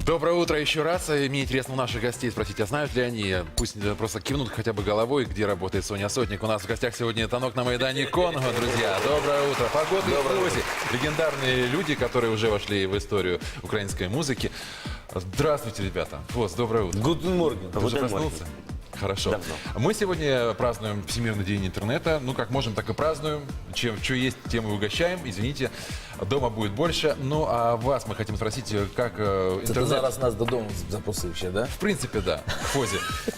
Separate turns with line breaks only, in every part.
Доброе утро еще раз. Мне интересно у наших гостей спросить, а знают ли они, пусть просто кивнут хотя бы головой, где работает Соня Сотник. У нас в гостях сегодня Танок на Майдане Конго, друзья. Доброе утро. Погода в плюсе. Легендарные люди, которые уже вошли в историю украинской музыки. Здравствуйте, ребята. Вот, доброе утро.
Guten Morgen.
Ты уже проснулся? Хорошо.
Давно.
Мы сегодня празднуем Всемирный день интернета. Ну, как можем, так и празднуем. Что есть, тем и угощаем. Извините, дома будет больше. Ну, а вас мы хотим спросить, как
Це ти
интернет...
зараз нас додому запросив ще, да?
В принципе, да, в Фозе.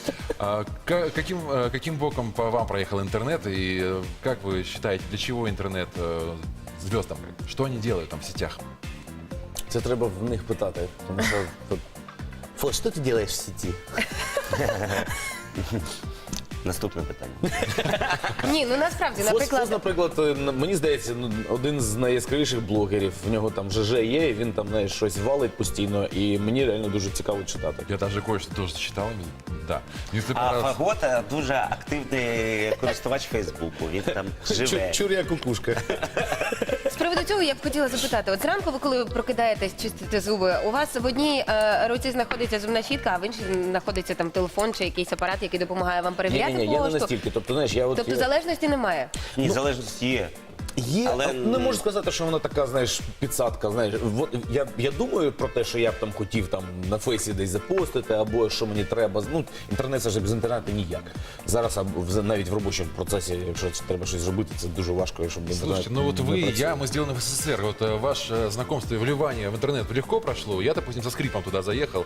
Каким боком по вам проехал интернет? И как вы считаете, для чего интернет звездам? Что они делают там в сетях?
Це треба в них питати. Тому що... Фо, що ти робиш в сеті?
Наступне питання.
Ні, ну насправді,
Фос,
наприклад,
мені здається, один з найяскравіших блогерів. В нього там ЖЖ є, і він там, знаєш, щось валить постійно, і мені реально дуже цікаво читати.
Я даже кое-что тоже читал. Да. Если
А
понравилось-
Фагота дуже активний користувач Фейсбуку. Він там живе.
Чур'я кукушка.
з приводу цього я б хотіла запитати. От зранку ви, коли прокидаєтесь, чистите зуби, у вас в одній руці знаходиться зубна щітка, а в іншій знаходиться там телефон чи якийсь апарат, який допомагає вам перевіряти
Ні, я не
пошту.
настільки. Тобто, знаєш, я от...
Тобто залежності немає.
Ні, залежність є.
Є,
Але
не можу сказати, що вона така, знаєш, підсадка. Знаєш, я думаю про те, що я б там хотів там на фейсі десь запостити, або що мені треба. Ну, інтернет це ж без інтернету ніяк. Зараз навіть в робочому процесі, якщо треба щось зробити, це дуже важко, щоб інтернет.
Слушайте, ну вот
не
вы и
працює.
я, мы сделаны в СССР. Вот ваше знакомство и вливание в интернет легко прошло. Я, допустим, со скрипом туда заехал.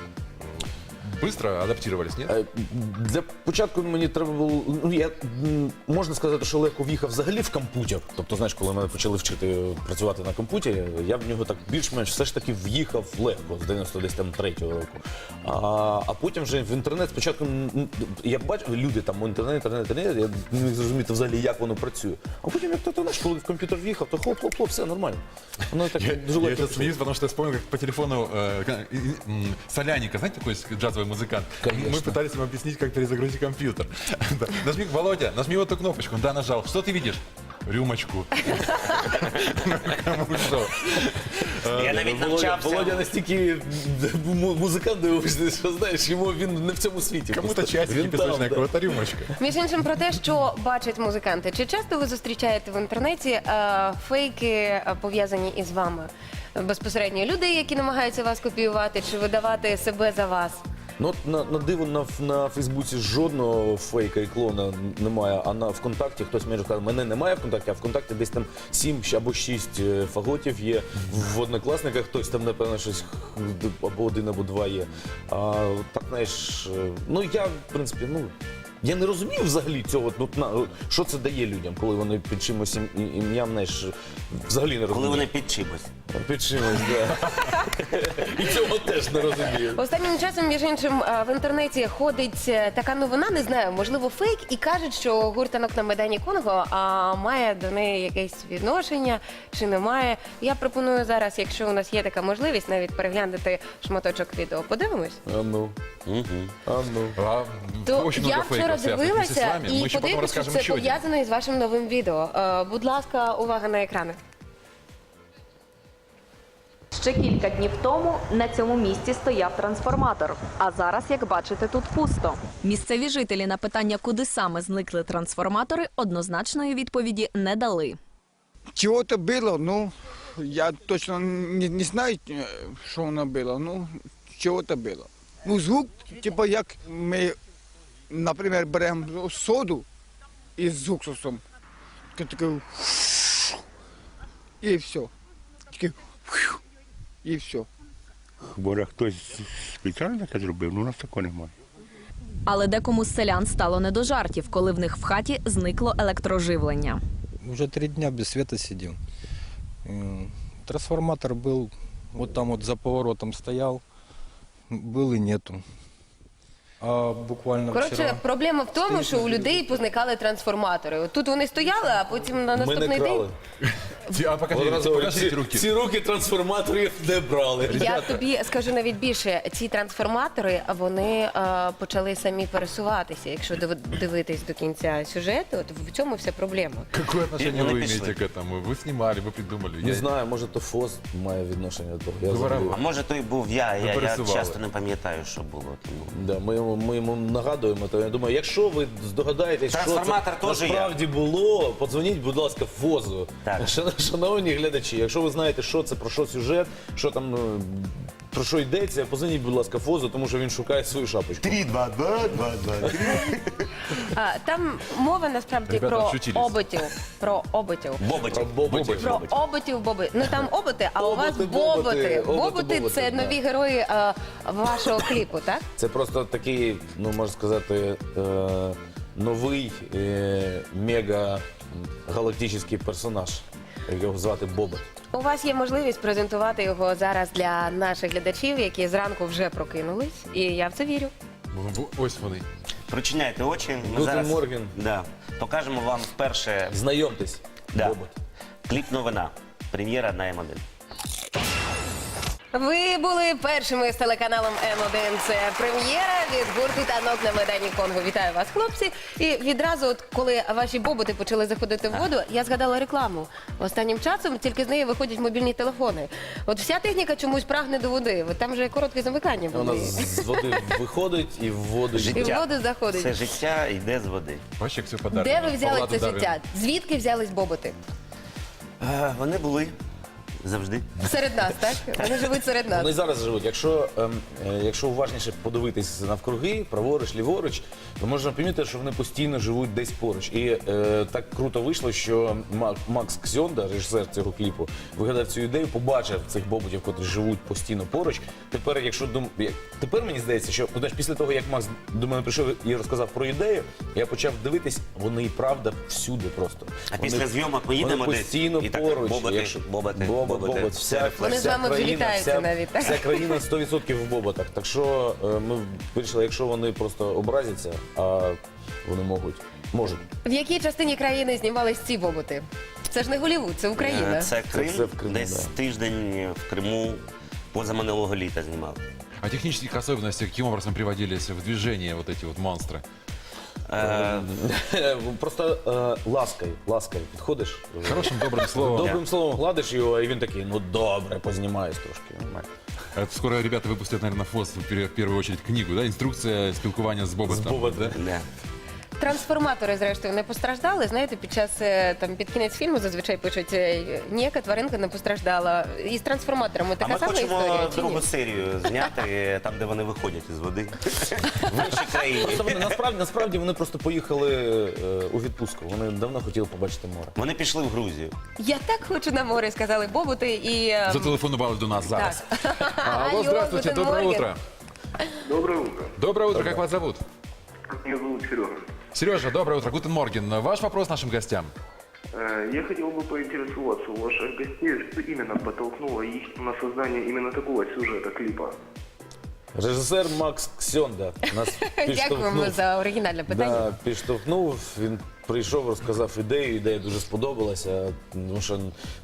Быстро адаптировались, нет?
Для початку мені треба було, можна сказати, що легко в'їхав взагалі в комп'ютер. Тобто, знаєш, коли мене почали вчити працювати на комп'ютері, я в нього так більш-менш все ж таки в'їхав легко з 93-го року. А потім вже в інтернет спочатку, я бачив, люди там, інтернет, я не міг зрозуміти взагалі, як воно працює. А потім, як то, знаєш, коли в комп'ютер в'їхав, то хлоп-хлоп-хлоп, все нормально. Воно так дуже
Я
легко.
сейчас смеюсь, потому что я вспомнил, как по телефону Соляника, знаете, такой джазовый музыкант?
Конечно.
Мы пытались ему объяснить, как перезагрузить компьютер. Да. Нажми, Володя, нажми вот эту кнопочку. Да, нажал. Что ты видишь? Рюмочку. Кому что?
Я навіть
Володя
навчався.
настільки музикант дивився, що знаєш, він не в цьому світі.
Кому-то
Просто
часики
він там,
песочные,
да.
кого-то рюмочка.
Між іншим, про те, що бачать музиканти. Чи часто ви зустрічаєте в інтернеті фейки, пов'язані із вами? Безпосередньо людей, які намагаються вас копіювати чи видавати себе за вас?
Ну, от на диво на Фейсбуці жодного фейка і клона немає, а на ВКонтакті хтось мені каже, мене немає ВКонтакті, а ВКонтакті десь там 7 або 6 фаготів є, в однокласниках хтось там, напевно, щось або 1, або 2 є. А так, знаєш, ну я, в принципі, я не розумію взагалі цього, що це дає людям, коли вони під чимось ім'ям, знаєш, взагалі не розумію.
Коли вони під чимось.
Під чимось, так. І цього теж не розумію.
Останнім часом, між іншим, в інтернеті ходить така новина, не знаю, можливо, фейк, і кажуть, що гурт «Танок на Майдані Конго» має до неї якесь відношення, чи немає. Я пропоную зараз, якщо у нас є така можливість, навіть переглянути шматочок відео. Подивимось?
А ну.
То
Очень
я
много
вчора
фейков связанных вместе с
дивилася
вами. Мы
і
еще потом
подивлюся, що
расскажем
це
еще один.
пов'язано із вашим новим відео. Будь ласка, увага на екрани.
Ще кілька днів тому на цьому місці стояв трансформатор. А зараз, як бачите, тут пусто. Місцеві жителі на питання, куди саме зникли трансформатори, однозначної відповіді не дали.
Чего-то было, ну, я точно не знаю, что оно было, ну, чего-то было. Ну, звук, типа, як ми, наприклад, беремо соду із уксусом, такий, і все. Такий, і все.
Може, хтось спеціально таке зробив, ну у нас такого немає.
Але декому з селян стало не до жартів, коли в них в хаті зникло електроживлення.
Уже 3 дня без света сидим. Трансформатор был, вот там вот за поворотом стоял, был и нету. А буквально
Коротше,
вчера...
проблема в тому, що у людей позникали трансформатори. От тут вони стояли, а потім на
Ми
наступний
не
день
крали.
Покажите руки.
Ці руки трансформаторів не брали.
Я тобі скажу навіть більше, ці трансформатори, вони почали самі пересуватися. Якщо дивитись до кінця сюжету, то в цьому вся проблема.
Какое отношение
Ну,
вы
напиши.
имеете к этому? Вы снимали, вы придумали.
Не знаю, може то ФОЗ має відношення до того. Я
Говорив.
забув.
А може, то й був я
пересували.
часто не пам'ятаю, що було. Тому.
Да, ми йому нагадуємо, то я думаю, якщо ви здогадаєтесь, що це
Трансформатор теж
насправді було, подзвоніть, будь ласка, ФОЗу.
Так.
Шановні глядачі, якщо ви знаєте, що це, про що сюжет, що там, про що йдеться, подзвоніть, будь ласка, ФОЗу, тому що він шукає свою шапочку.
3, 2, 2, 2, 2, 3.
Там мова насправді
Ребята
про
вчутились.
оботів. Про оботів.
Боботів.
Боботів.
Про оботів, боби. Ну там оботи, а у вас
Оботи, боботи.
боботи.
Оботи,
Боботи це
да.
нові герої вашого кліпу, так?
Це просто такий, ну можна сказати, новий мега-галактичний персонаж, його звати Бобот.
У вас є можливість презентувати його зараз для наших глядачів, які зранку вже прокинулись, і я в це вірю.
Ось вони.
Прочиняйте очі. Ми
Guten
зараз
Morgen.
да, покажемо вам вперше
Знайомтесь,
Да.
Бобот.
кліп-новина. Прем'єра на М1.
Ви були першими з телеканалом М1. Це прем'єра від гурту «Танок на Майдані Конго». Вітаю вас, хлопці. І відразу, от, коли ваші боботи почали заходити в воду, я згадала рекламу. Останнім часом тільки з неї виходять мобільні телефони. От вся техніка чомусь прагне до води. От там же коротке замикання
Вона
води.
з води виходить і в воду йде.
І в воду заходить.
Це життя йде з води.
Вообще все подарок.
Де ви взяли
Павла
це
Дударина.
життя? Звідки взялись боботи?
Вони були завжди.
Серед нас, так? Вони живуть серед нас.
Вони зараз живуть. Якщо уважніше подивитись навкруги, праворуч, ліворуч, то можна помітити, що вони постійно живуть десь поруч. І так круто вийшло, що Макс Ксьонда, режисер цього кліпу, вигадав цю ідею, побачив цих боботів, котрі живуть постійно поруч. Тепер мені здається, що знаєш, після того, як Макс до мене прийшов і розказав про ідею, я почав дивитись, вони і правда всюди просто.
А після зйомок ми їдемо
вони
десь,
постійно
і так
поруч.
боботи, боботи, боботи.
Вся
Вони з вами
країна,
влітаються навіть, так?
Вся країна 100% в боботах. Так що ми вирішили, якщо вони просто образяться, а вони можуть.
В якій частині країни знімались ці боботи? Це ж не Голлівуд, це Україна.
Це Крим,
Це в Криму,
десь
да.
тиждень в Криму позаминулого літа знімав.
О технических особенностях, каким образом приводились в движение вот эти вот монстры?
Просто ласкою підходиш.
Хорошим, добрым словом.
Добрим словом гладиш його, і він такий, ну добре, познімаюсь трошки. Нормально.
Скоро ребята выпустят, наверное, ФОС в первую очередь книгу, да? Инструкция спілкування з Боботом.
З Боботом.
да?
Да.
Трансформатори, зрештою, не постраждали. Знаєте, під кінець фільму зазвичай пишуть, ніяка тваринка не постраждала. І з трансформаторами
А
така
ми
сама
хочемо
історія, чи ні?
другу серію зняти, там, де вони виходять із води. В іншій країні.
Просто насправді вони просто поїхали у відпустку. Вони давно хотіли побачити море.
Вони пішли в Грузію.
Я так хочу на море, сказали боботи. І
Зателефонували до нас зараз. Алло,
Алло,
здравствуйте,
Guten
доброе
Morgen.
утро.
Доброе утро.
Доброе утро, как вас зовут?
Меня зовут Сережа.
Сережа, доброе утро, Гутен Морген. Ваш вопрос нашим гостям.
Я хотел бы поинтересоваться у ваших гостей, что именно подтолкнуло их на создание именно такого сюжета клипа.
Режисер Макс Ксьонда нас
Дякуємо за оригінальне питання.
Да, підштовхнув, він прийшов, розказав ідею, ідея дуже сподобалася, тому що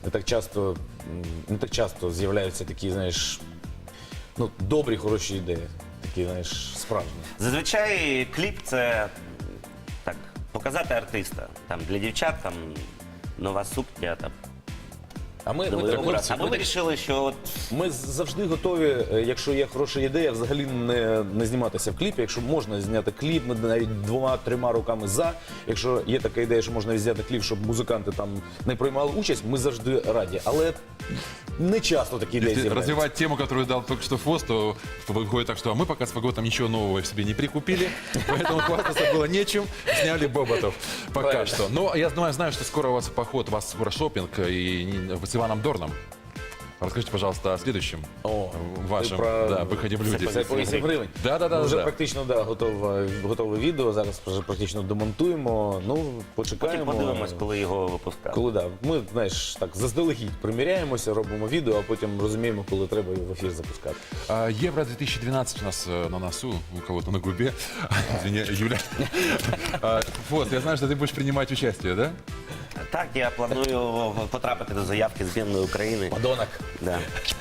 не так часто з'являються такі, знаєш, ну, добрі, хороші ідеї, такі, знаєш, справжні.
Зазвичай кліп це так, показати артиста. Там, для дівчат там, нова сукня, там,
А ми
новий
так,
образ. А ми вирішили, що от
ми завжди готові, якщо є хороша ідея, взагалі не зніматися в кліпі. Якщо можна зняти кліп, ми навіть 2-3 руками за. Якщо є така ідея, що можна зняти кліп, щоб музиканти там не приймали участь, ми завжди раді. Але не часто такі ідеї
Если
з'являються.
развивать тему, которую дал только что ФОС, то выходит так, что мы пока с Фаготом ничего нового в себе не прикупили, поэтому хвастаться было нечем, сняли Боботов пока
Правильно.
что. Но я знаю, что скоро у вас поход, у вас скоро шопинг и с Иваном Дорном. Расскажите, пожалуйста, о следующем
О,
вашем
ти про-
выходе в люди.
Це по 8 гривень.
Да.
Вже практично готове відео, зараз вже практично демонтуємо. Ну,
потім
почекаємо.
подивимось, коли його випускали.
Коли да. Ми, знаєш, так заздалегідь приміряємося, робимо відео, а потім розуміємо, коли треба його в ефір запускати.
Евро 2012 у нас на носу, у кого-то на губе. Извини, Юля. ФОС, я знаю, что ты будешь принимать участие, да?
Так, я планую потрапити до заявки збірної України.
Подонок.
Да.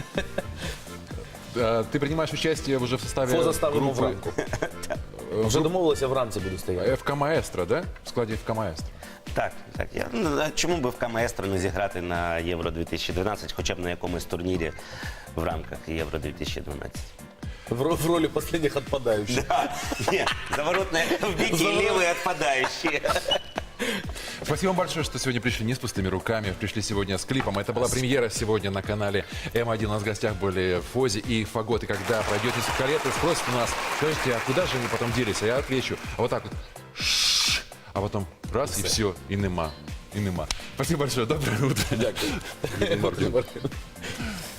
Ты принимаешь участие уже в составе
Фоза ставимо в
группы
рамку. Вже домовилися, вранці буду стояти.
ФК «Маэстро», да? В складе ФК «Маэстро».
Так. А чому би в Маестро не зіграти на Євро 2012, хоча б на якомусь турнірі в рамках Євро 2012?
В ролі останніх відпадаючих.
Да. Нет, заворотные в беге, левые отпадающие.
Спасибо вам большое, что сегодня пришли не с пустыми руками, пришли сегодня с клипом. Это была премьера сегодня на канале М1. У нас в гостях были Фози и Фагот. И когда пройдет несколько лет, и спросят у нас, скажите, а куда же они потом делись? А я отвечу, а вот так вот. А потом раз, и все, и нема. И нема. Спасибо большое, доброе утро.
Дякую.